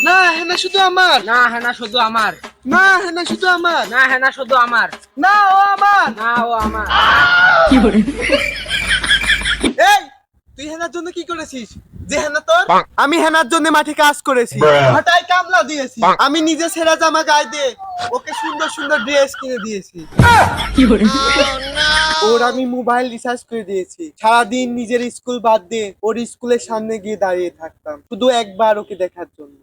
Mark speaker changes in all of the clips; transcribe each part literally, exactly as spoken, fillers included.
Speaker 1: না হেনা শুধু আমার,
Speaker 2: না হেনা শুধু আমার,
Speaker 1: না হেনা শুধু আমার,
Speaker 2: না হেনা শুধু আমার,
Speaker 1: না ও আমার।
Speaker 2: না ও আমার।
Speaker 1: এই তুই হেনার জন্য কি করেছিস? যে হেনা তোর, আমি হেনার জন্য মাঠে কাজ করেছি, হঠাৎ কামলা দিয়েছি, আমি নিজে ছেঁড়া জামা গায়ে দিয়ে ওকে সুন্দর সুন্দর ড্রেস কিনে দিয়েছি। ওর আমি মোবাইল রিচার্জ করে দিয়েছি। সারাদিন নিজের স্কুল বাদ দিয়ে ওর স্কুলের সামনে গিয়ে দাঁড়িয়ে থাকতাম শুধু একবার ওকে দেখার জন্য।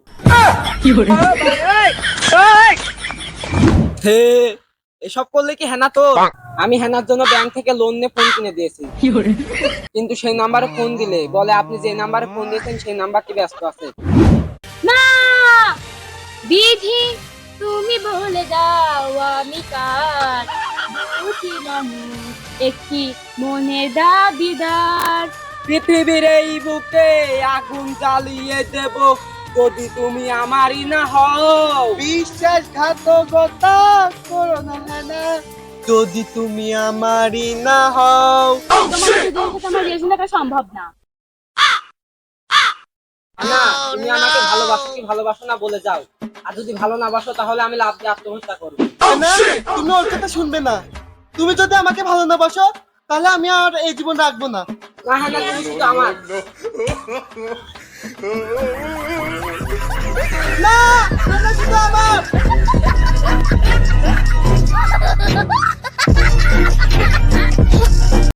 Speaker 2: হে, এসব করলে কি হেনা তোর? আমি হেনার জন্য ব্যাংক থেকে লোন নিয়ে ফোন কিনে দিয়েছি, কিন্তু সেই নাম্বারে ফোন দিলে বলে আপনি যে নাম্বারে ফোন দিয়েছেন সেই নাম্বারটি ব্যস্ত আছে।
Speaker 3: না বিধি তুমি বলে দাও আমি কার দুটি মানুষ একটি মনের দাবিদার।
Speaker 2: পৃথিবীর এই বুকে আগুন জ্বালিয়ে দেব যদি তুমি আমারই না হও।
Speaker 1: বিশ্বাসঘাতকতা করো না হেনা যদি তুমি আমারই না হও।
Speaker 3: তোমার সাথে আমার রিলেশন থাকা সম্ভব না।
Speaker 2: না, তুমি আমাকে ভালোবাসো কি ভালোবাসো না বলে যাও, আর যদি ভালো না বাসো তাহলে আমি লাভ দিয়ে আত্মহত্যা করবো।
Speaker 1: হেনা তুমি ওর কথা শুনবে না। তুমি যদি আমাকে ভালো না বাসো তাহলে আমি আর এই জীবন রাখবো না।
Speaker 2: না হেনা, তুমি শুধু আমার।
Speaker 1: না হেনা শুধু আমার।